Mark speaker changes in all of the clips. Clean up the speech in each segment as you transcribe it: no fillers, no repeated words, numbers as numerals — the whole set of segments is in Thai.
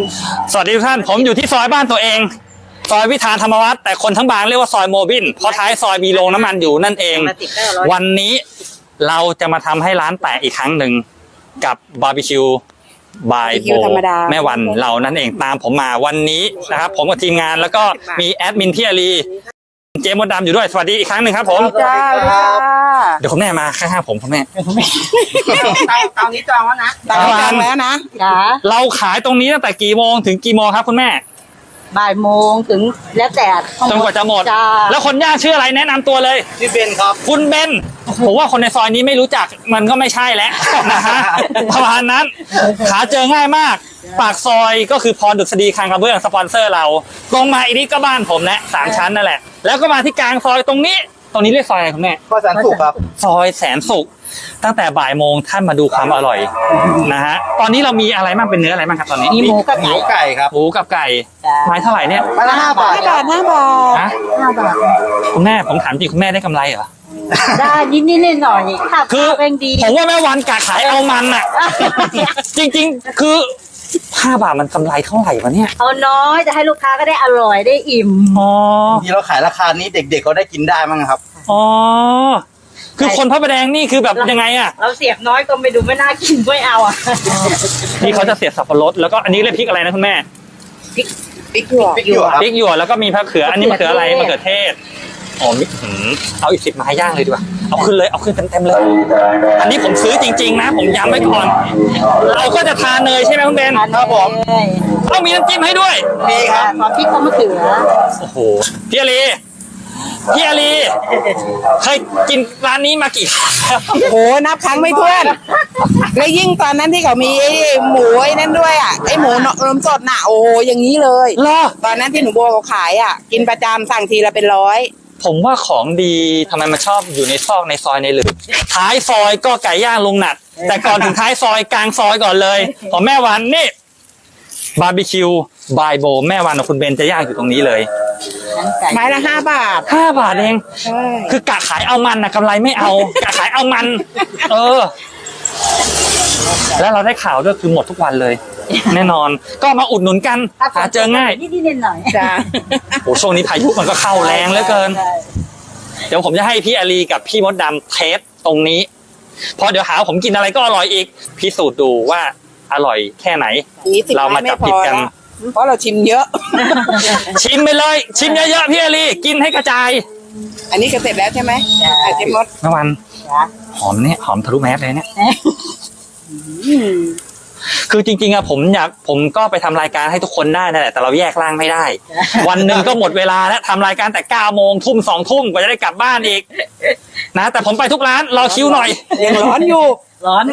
Speaker 1: สวัสดีทุกท่านผมอยู่ที่ซอยบ้านตัวเองซอยวิธานธรรมวัฒน์แต่คนทั้งบางเรียกว่าซอยโมบินเพราะท้ายซอยมีโรงน้ำมันอยู่นั่นเองวันนี้เราจะมาทำให้ร้านแตกอีกครั้งหนึ่งกับบาร์บีคิวบายโบแม่วันเรานั่นเองตามผมมาวันนี้นะครับผมกับทีมงานแล้วก็มีแอดมินพี่อาลีเจมส์ดำอยู่ด้วยสวัสดีอีกครั้งหนึ่งครับผมเดี๋ยวคุณแม่มาข้างๆผมคุณแม่
Speaker 2: ตอนนี้จองแล้วนะ
Speaker 1: จองแล้วนะเราขายตรงนี้ตั้งแต่กี่โมงถึงกี่โมงครับคุณแม่
Speaker 2: บ่ายโมงถึงแล้วแต่
Speaker 1: จนกว่าจะหมดแล้วคนย่างชื่ออะไรแนะนำตัวเลย
Speaker 3: พี่เบนครับ
Speaker 1: คุณเบนผมว่าคนในซอยนี้ไม่รู้จักมันก็ไม่ใช่แล้วนะฮะประมาณนั้นหาเจอง่ายมากปากซอยก็คือพรดุษฎีคลังกระเบื้องสปอนเซอร์เราตรงมาอีกนิดก็บ้านผมแหละ3 ชั้นนั่นแหละแล้วก็มาที่กลางซอยตรงนี้เรียกซอยอะไรคุณแม่
Speaker 3: ซอยแสนสุขครับ
Speaker 1: ซอยแสนสุขตั้งแต่บ่ายโมงท่านมาดูความอร่อยนะฮะตอนนี้เรามีอะไรบ้างเป็นเนื้ออะไรบ้างครับตอนนี้
Speaker 2: มีหมูกับ
Speaker 3: ไก่ครับ
Speaker 1: หมูกับไก่ไม้เท่าไหร่เนี่ย
Speaker 3: ไม้ละ5 บาท
Speaker 2: 5 บาท
Speaker 1: ฮะ5 บาทคุณแม่ผมถามจริงคุณแม่ได้กำไรเหรอ
Speaker 2: ได้นิดหน่อย
Speaker 1: คือผมว่าแม่วันกะขายเอามันอ่ะจริงๆคือ5 บาทมันกำไรเท่าไหร่วะเนี่ย
Speaker 2: เอาน้อยจะให้ลูกค้าก็ได้อร่อยได้อิ่ม
Speaker 3: ที่เราขายราคานี้เด็กๆเขาได้กินได้มั้งครับ
Speaker 1: อ๋อคือคนพระประแดงนี่คือแบบยังไงอ่ะ
Speaker 2: เราเสียบน้อยก็ไม่ดูไม่น่ากินไม่เอาอ่ะ
Speaker 1: นี่เขาจะเสียบสับปะรดแล้วก็อันนี้เรียกพริกอะไรนะคุณแม่
Speaker 2: พริกหยว
Speaker 1: กแล้วก็มีมะเขืออันนี้มะเขืออะไรมะเขือเทศอ๋อเอาอีก10 ไม้ย่างเลยดีกว่าเอาขึ้นเต็มเลยอันนี้ผมซื้อจริงๆนะผมย้ำไว้ก่อนเราก็จะทานเนยใช่ไหมคุณเบน
Speaker 3: ครับผม
Speaker 1: ต้องมีน้ำจิ้มให้ด้วย
Speaker 3: มีครับ
Speaker 2: พริกกับมะเขือ
Speaker 1: โอ้โหพี่อาลีเคยกินร้านนี้มากี่ครั้ง
Speaker 4: โอ้นับครั้งไม่ถ้วนแล้วยิ่งตอนนั้นที่เขามีไอ้หมูไอ้นั่นด้วยอ่ะไอ้หมูนมสดน่ะโอ้อย่างนี้เลยตอนนั้นที่หนูโบเขาขายอ่ะกินประจำสั่งทีละเป็น100
Speaker 1: ผมว่าของดีทำไมมันชอบอยู่ในซอกในซอยในหลืบท้ายซอยก็ไก่ย่างลุงหนัดแต่ก่อนถึงท้ายซอยกลางซอยก่อนเลยของแม่วันนี่บาร์บีคิวบายโบแม่วันกับคุณเบนจะย่างอยู่ตรงนี้เลย
Speaker 4: ไม้ละ5 บาท
Speaker 1: 5 บาทเองคือกะขายเอามันนะกำไรไม่เอากะขายเอามันแล้วเราได้ข่าวด้วยคือหมดทุกวันเลยแน่นอนก็มาอุดหนุนกันหาเจอง่าย
Speaker 2: นิดหน่อย
Speaker 4: จ้า
Speaker 1: โอ้ช่วงนี้พายุมันก็เข้าแรงเหลือเกินเดี๋ยวผมจะให้พี่อาลีกับพี่มดดำเทสตรงนี้พอเดี๋ยวหาผมกินอะไรก็อร่อยอีกพิสูจน์ดูว่าอร่อยแค่ไหนเรามาจับผิดกัน
Speaker 4: เพราะเราชิมเยอะ
Speaker 1: ชิมไปเลยชิมเยอะๆพี่อาลีกินให้กระจาย
Speaker 4: อันนี้ก็เสร็จแล้วใช่ไหมเจมส์
Speaker 1: แม่วันหอมเนี่ยหอมทะลุแมสเลยเนี่ยคือจริงๆอะผมก็ไปทำรายการให้ทุกคนได้นั่นแหละแต่เราแยกร่างไม่ได้วันหนึ่งก็หมดเวลาแล้วทำรายการแต่9 โมงทุ่ม2 ทุ่มกว่าจะได้กลับบ้านอีกนะแต่ผมไปทุกร้านรอคิวหน่อย
Speaker 4: ยังร้อนอยู่
Speaker 2: ร้อน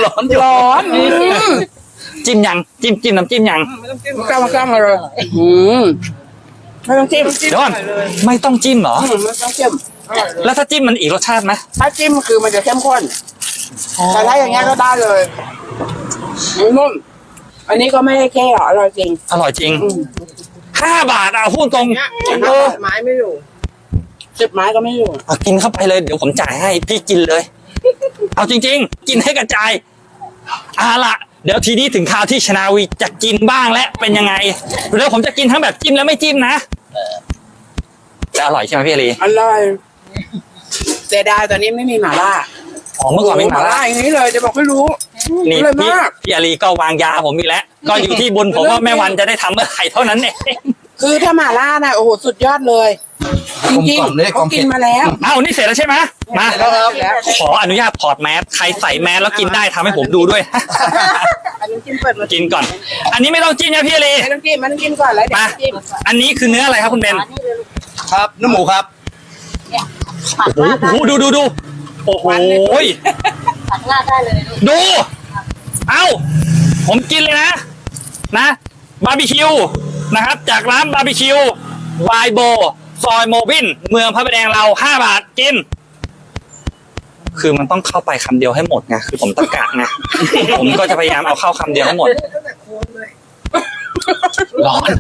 Speaker 1: จิ้มยังจิ้มน้ำจิ้มยัง
Speaker 4: ไม่ต้องจิ้มกล้ามาเลยไม่ต้องจิ้ม
Speaker 1: เดี๋ยวก่อนไม่ต้องจิ้มเหรอ
Speaker 4: ไม่ต้องจิ้ม
Speaker 1: แล้วถ้าจิ้มมันอีกรสชาติไหม
Speaker 4: ถ้าจิ้มคือมันจะเข้มข้นแต่ถ้าอย่างเงี้ยก็ได้เลยนุ่มอันนี้ก็ไม่ได้แค่อร่อยจริง
Speaker 1: 5 บาทพูดตรง
Speaker 4: ไม้ไม่อยู่10 ไม้ก็ไม่อยู่
Speaker 1: กินเข้าไปเลยเดี๋ยวผมจ่ายให้พี่กินเลยเอาจริงๆกินให้กระจายละเดี๋ยวทีนี้ถึงคราวที่ชนาวีจะกินบ้างและเป็นยังไงแล้วผมจะกินทั้งแบบจิ้มและไม่จิ้มนะจะอร่อยใช่ไหมพี่อาลี
Speaker 4: อร่อยเสียดายตอนนี้ไม่มีหม่าล่า
Speaker 1: เมื่อก่อนไม่หม่าล่า
Speaker 4: อย่างนี้เลยจะบอกให้รู้
Speaker 1: นี่พี่อาลีก็วางยาผมอีกแล้วก็อยู่ที่บุญผมว่าแม่วันจะได้ทำเมื่อไหร่เท่านั้นเอง
Speaker 4: คือถ้าหม่าล่านะโอ้โหสุดยอดเลยจริงๆเขากินมาแล้ว
Speaker 1: นี่เสร็จแล้วใช่ไหมมาขออนุญาตถอดแมสใครใส่แมสแล้วกินได้ทำให้ผมดูด้วยกินก่อนอันนี้ไม่ต้องจิ้มนะพี่อาลี
Speaker 4: ไม่ต้องจิ้มก่อนแล้ว
Speaker 1: มาอันนี้คือเนื้ออะไรครับคุณเบน
Speaker 3: ครับเนื้อหมูครับ
Speaker 1: โอ้โหดูโอ้โห
Speaker 2: ตักราดได้เลย
Speaker 1: ดูผมกินเลยนะบาร์บีคิวนะครับจากร้านบาร์บีคิวบายโบซอยโมบินเมืองพระประแดงเรา5 บาทกินคือมันต้องเข้าไปคำเดียวให้หมดไงคือผมตะกะไงผมก็จะพยายามเอาเข้าคำเดียวให้หมดร้อน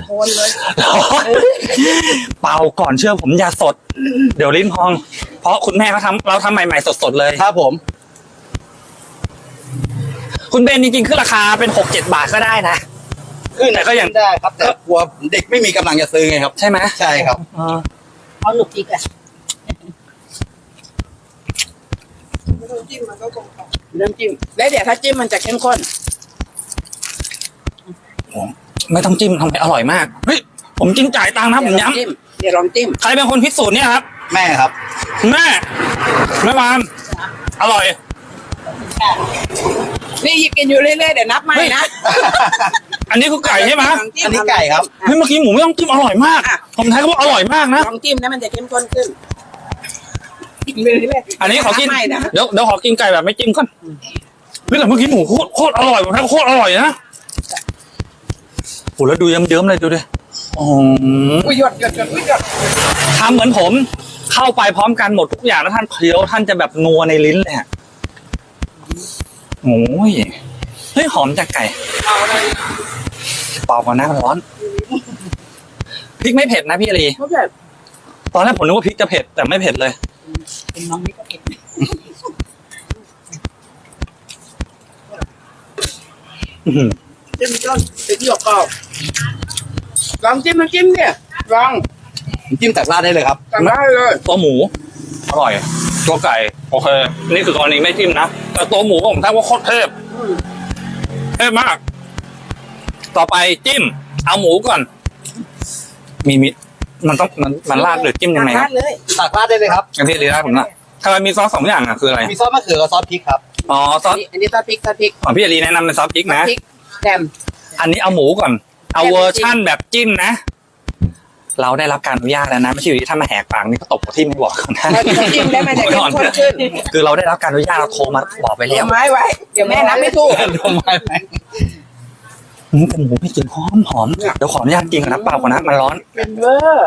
Speaker 1: เป่าก่อนเชื่อผมอย่าสดเดี๋ยวลิ้นพองเพราะคุณแม่เราทำใหม่ๆสดๆเลย
Speaker 3: ครับผม
Speaker 1: คุณเบนจริงๆคือราคาเป็น6-7 บาทก็ได้นะ
Speaker 3: ขึ้น
Speaker 1: แต่ก็ยัง
Speaker 3: ได้ครับ แต่กลัวเด็กไม่มีกำลังจะซื้อไงครับ
Speaker 1: ใช่ไหม
Speaker 3: ใช่ครับ
Speaker 2: เอาหนุกอีกอ่ะ
Speaker 4: เริ่มจิ้มแล้วเดี๋ยวถ้าจิ้มมันจะเข้มข้น
Speaker 1: ไม่ต้องจิ้มทำไมอร่อยมากเฮ้ยผมกินจ่ายตังค์นะผมย้
Speaker 4: เดี๋ยวลองจิ้ม
Speaker 1: ำใครเป็นคนพิสูจน์เนี่ยครับ
Speaker 3: แม่ครับ
Speaker 1: คุณแม่แม่วานอร่อย
Speaker 4: นี่หยิบกินอยู่เรื่อยๆเดี๋ยวนับใหม่นะ
Speaker 1: อันนี้คือไก่ใช่ไหม
Speaker 4: ลองจิ้ม
Speaker 3: อันนี้ไก่ครับ
Speaker 1: เฮ้ยเมื่อกี้หมูไม่ต้องจิ้มอร่อยมาก ผมทายก็บอกอร่อยมากนะ
Speaker 4: ลองจิ้มนะมันจะเข้มข้นขึ้นกินไปเรื่อยๆ
Speaker 1: อันนี้ขอกิน
Speaker 4: บใหม่นะ
Speaker 1: เดี๋ยวขอกินไก่แบบไม่จิ้มก่อนเฮ้ยแต่เมื่อกี้หมูโคตรอร่อยผมทายโคตรอร่อยนะโหแล้วดูเยิ้มๆเลยดูดิโอ้โห
Speaker 4: อุ้ยหยดอุ้ยหยด
Speaker 1: ทำเหมือนผมเข้าไปพร้อมกันหมดทุกอย่างแล้วท่านเคี้ยวท่านจะแบบนัวในลิ้นเลยอะโอ้ยเฮ้ยหอมจากไก่เปล่าก่อนนะมันร้อนพริกไม่เผ็ดนะพี่อารี
Speaker 4: เขาแบบ
Speaker 1: ตอนแรกผมนึกว่าพริกจะเผ็ดแต่ไม่เผ็ดเลย
Speaker 2: เป็นน้องนี่ก็เก็บ
Speaker 1: อื้อหือ
Speaker 4: จิ้มต้นเป็นหยกกรอบลองจิ้มน้ำจิ้มเนี่ยลอง
Speaker 3: จิ้มจากราดได้เลยครับ
Speaker 4: สั่งได้เลย
Speaker 1: ตัวหมูอร่อยตัวไก่โอเคนี่คือกรณีไม่จิ้มนะแต่ตัวหมูผมทายว่าโคตรเทพมาก ต่อไปจิ้ม เอาหมูก่อน มีมันต้องมันราดหรือจิ้มยังไงค
Speaker 4: รา
Speaker 1: รับ
Speaker 4: ดเลย
Speaker 3: ตักราดได้เลยครับ
Speaker 1: อันที่รีราดผมนะทำไมมีซอสสองอย่างอ่ะคืออะไร
Speaker 3: มีซอสมะเขือกับซอสพริกครับ
Speaker 1: อ๋อซอส
Speaker 4: อันนี้ซอสพริก
Speaker 1: ของพี่อารีแนะนำเป็นซอสพริกนะ
Speaker 4: พริกแดม
Speaker 1: อันนี้เอาหมูก่อน เอาเวอร์ชั่นแบบจิ้มนะ เราได้รับการอนุญาตแล้วนะไม่ใช่อยู่ที่ถ้ามาแหกปากนี่ก็ตบที่ไม่บอกนะ
Speaker 4: เราจะจิ้มได้มันจะเข้มข้นขึ้น
Speaker 1: คือเราได้รับการอนุญาตเราโทรมาบอกไป
Speaker 4: เดี๋
Speaker 1: แล้
Speaker 4: ยว วไม้ไว้ เดี๋ยวแม่นับไม่ถูก
Speaker 3: ทำไมไหม
Speaker 1: แต่หมูไม่กินหอมเดี๋ยวขออนุญาตกินก่อนนะเปล่าก่อนนะมันร้อน
Speaker 4: เป็นเวอร์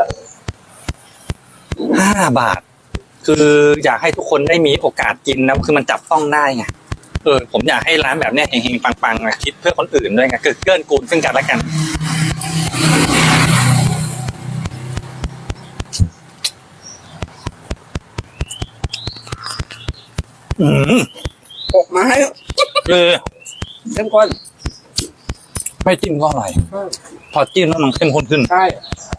Speaker 1: 5 บาท คืออยากให้ทุกคนได้มีโอกาสกินนะคือมันจับต้องได้ไงผมอยากให้ร้านแบบเนี้ยเฮงๆปังๆนะคิดเพื่อคนอื่นด้วยไงเกื้อกูลซึ่งกันและกัน
Speaker 4: หกไม้
Speaker 1: คือ
Speaker 4: เข้มข้น
Speaker 1: ไม่จิ้มก็อร่อยพอจิ้มแล้วมันเข้มข้นขึ้น
Speaker 4: ใช่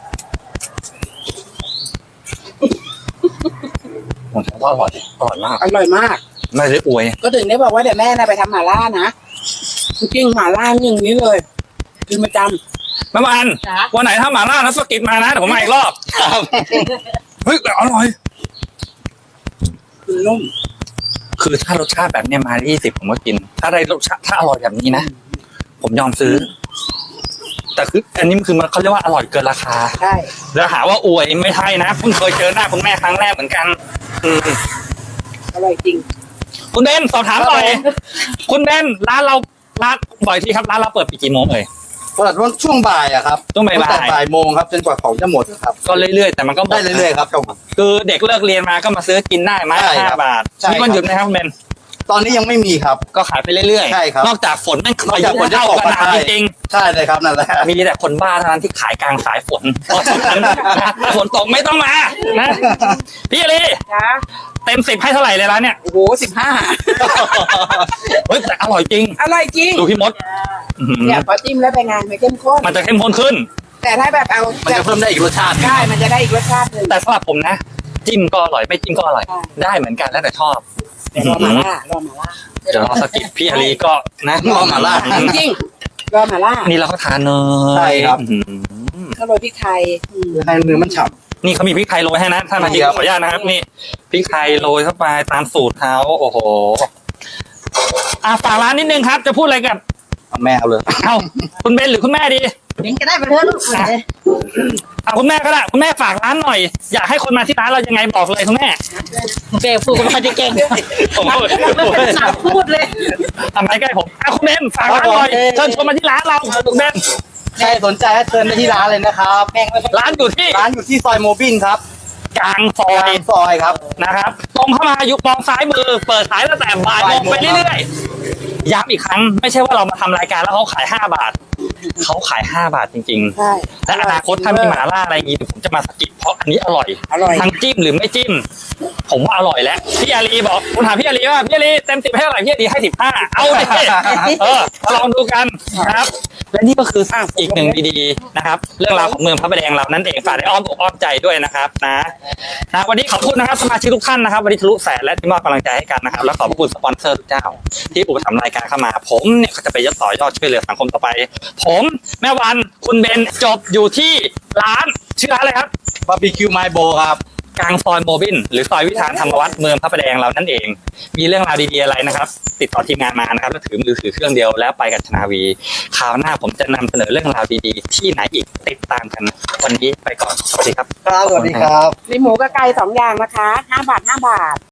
Speaker 1: ผมถือว่าอร่อยมาก
Speaker 4: อร่อยมาก
Speaker 1: ไม่ได้อวย
Speaker 4: ก็ถึงได้บอกว่าเดี๋ยวแม่นะไปทำหม่าล่านะจริงๆหม่าล่าอย่างนี้เลยคือประจ
Speaker 1: แม่วันวันไหนถ้าหมาล่าแล้วสกิดมานะเดี๋ยวผมมาอีกรอบ
Speaker 3: ครับ
Speaker 1: เฮ้ยแต่อร่อย
Speaker 4: ำคือนุ่ม
Speaker 1: คือถ้ารสชาติแบบเนี้ยมา20ผมก็กิน ถ้าได้รสชาติถ้าอร่อยแบบนี้นะผมยอมซื้อ แต่คืออันนี้คือมันเขาเรียกว่าอร่อยเกินราคา
Speaker 4: ใช่
Speaker 1: แล้วหาว่าอวยไม่ใช่นะเพิ่งเคยเจอหน้าคุณแม่ครั้งแรกเหมือนกัน
Speaker 4: อร่อยจริง
Speaker 1: คุณเบนสอบถามหน่อยคุณเบนร้านเราบ่อยที่ครับร้านเราเปิดปีกี่โมงเอ่ย
Speaker 3: เปิดวันช่วงบ่ายอะครับ
Speaker 1: ช่วงบ่าย
Speaker 3: ตั้แต่บ่ายโมงครับจนกว่าของจะหมดครับ
Speaker 1: ก็เรื่อยๆแต่มันก็หม
Speaker 3: ได้เรื่อยๆครับ
Speaker 1: คือเด็กเลิกเรียนมาก็มาซื้อกินได้ไม้
Speaker 3: ใช่
Speaker 1: ละ
Speaker 3: ครับ
Speaker 1: 5 บาท
Speaker 3: ใช่
Speaker 1: มีวันหยุดไหมครับคุณเบน
Speaker 3: ตอนนี้ยังไม่มีครับ
Speaker 1: ก็ขายไปเรื่อยๆ
Speaker 3: ใช่ครับ
Speaker 1: นอกจากฝนแม่ง
Speaker 3: นอกจากฝนจะ
Speaker 1: เข้า
Speaker 3: ตก
Speaker 1: กระห
Speaker 3: มา
Speaker 1: น่ำจริง
Speaker 3: ใช่เลยครับนั่นแหละ
Speaker 1: ๆมีแต่คนบ้าเท่านั้นที่ขายกลางสายฝนเพราะฉะนั้นนะฝนตกไม่ต้องมานะพี่อลี
Speaker 4: จ้า
Speaker 1: เต็ม10ให้เท่าไหร่เลยร้านเนี่ย
Speaker 4: โอ้โห15
Speaker 1: เฮ้ยแต่อร่อยจริง
Speaker 4: อร่อยจริง
Speaker 1: ดูพี่มดอื้อหือ
Speaker 4: เนี่ยพอจิ้มแล้วเป็นไงมันเข้มข้น
Speaker 1: มันจะเข้มข้นขึ้น
Speaker 4: แต่ถ้าแบบเอา
Speaker 3: มันจะเพิ่มได้อีกรสชาติ
Speaker 4: ใช่มันจะได้อีกรสชาติหนึ่ง
Speaker 1: แต่สำหรับผมนะ จิ้มก็อร่อยไม่จิ้มก็อร่อย
Speaker 4: ใช่
Speaker 1: ได้เหมือนกันแล้วแต่ชอบ
Speaker 4: แต่รอหม่าล่ารอหม่าล่า
Speaker 1: เดี๋ยวรอสกิดพี่อาลีก็นะ
Speaker 3: รอหม่าล่า
Speaker 4: จริงๆรอหม่าล่า
Speaker 1: นี่เราก็ทานเนย
Speaker 3: ใช่ครับ
Speaker 1: อื้อหือ
Speaker 4: ก็โรยพริกไทย
Speaker 3: ให้เนื้อมันฉ่
Speaker 1: นี่เขามีพริกไทยโรยให้นะถ้ามากิน
Speaker 3: ครับ
Speaker 1: ขออนุญาตนะครับนี่พริกไทยโรยเข้าไปตามสูตรเขาโอ้โหฝากร้านนิดนึงครับ จะพูดอะไรกับ
Speaker 3: ำเอาแม่เอาเลย
Speaker 1: เอ้าคุณเบนหรือคุณแม่ดี
Speaker 2: เห็นก็ได้ไปเถอะลูกเลย
Speaker 1: เอาคุณแม่ก็ได้คุณแม่ฝากร้านหน่อย อยากให้คนมาที่ร้านเรายังไงบอกเลยคุณแม่
Speaker 2: เก่งพูดก็ไม่ค่อยจะเก่ง
Speaker 1: โอ้โห
Speaker 2: ไม่เป็นสาวพูดเลย
Speaker 1: ทำไมใกล้ผมคุณเบนฝากร้านหน่อยเชิญชวนมาที่ร้านเราคุณเบน
Speaker 3: ใครสนใจให้เชิญไปที่ร้านเลยนะครับ
Speaker 1: ร้านอยู่ที่
Speaker 3: ร้านอยู่ที่ซอยโมบินครับ
Speaker 1: กลางซอก
Speaker 3: ลาย งซอยครับ
Speaker 1: นะครับตรงเข้ามาอยู่มองซ้ายมือ เปิดขายตั้งแต่บ่ายโมงไปเรื่อยๆย้ำอีกครั้งไม่ใช่ว่าเรามาทำรายการแล้วเขาขาย5 บาทเขาขาย5 บาทจริง
Speaker 4: ใช่
Speaker 1: ๆและอนาคตถ้ามีหมาล่าอะไรอย่างงี้ผมจะมาสกิดเพราะอันนี้อร่อย
Speaker 4: อร่อย
Speaker 1: ทั้งจิ้มหรือไม่จิ้ม ผมว่าอร่อยแล้วพี่อาลีบอกคุณถามพี่อาลีว่าพี่อาลีเต็ม10ให้เท่าไหร่พี่อาลีให้15เอาดิลองดูกันนะครับและนี่ก็คืออีกหนึ่งดีๆนะครับ เรื่องราวของเมืองพระประแดงเรานั่นเองฝากในอ้อมอกอ้อมใจด้วยนะครับนะวันนี้ขอบคุณนะครับสมาชิกทุกท่านนะครับวันนี้ทะลุแสนและที่มอบกำลังใจให้กันนะครับแล้วขอบคุณสปอนเซอร์ทุกเจ้า ที่อุปถัมภ์รายการเข้ามาผมเนี่ยก็จะไปต่อยอดช่วยเหลือสังคมต่อไป ผมแม่วันคุณเบนจบอยู่ที่ร้านชื่อร้านอะไรครับ
Speaker 3: บาร์บีคิวไมโบครับ
Speaker 1: กลางซอยโมบินหรือซอยวิธานธรรมวัฒน์เมืองพระประแดงเรานั่นเอง มีเรื่องราวดีๆอะไรนะครับ ติดต่อทีมงานมานะครับแล้วถือมือถือเครื่องเดียวแล้วไปกับชนาวีคราวหน้าผมจะนำเสนอเรื่องราวดีๆ ที่ไหนอีกติดตามกันวันนี้ไปก่อนสวัสดีครับ
Speaker 3: ครับ สวัสดีครับ
Speaker 4: มีหมูกับไก่2 อย่างนะคะ5 บาท5 บาท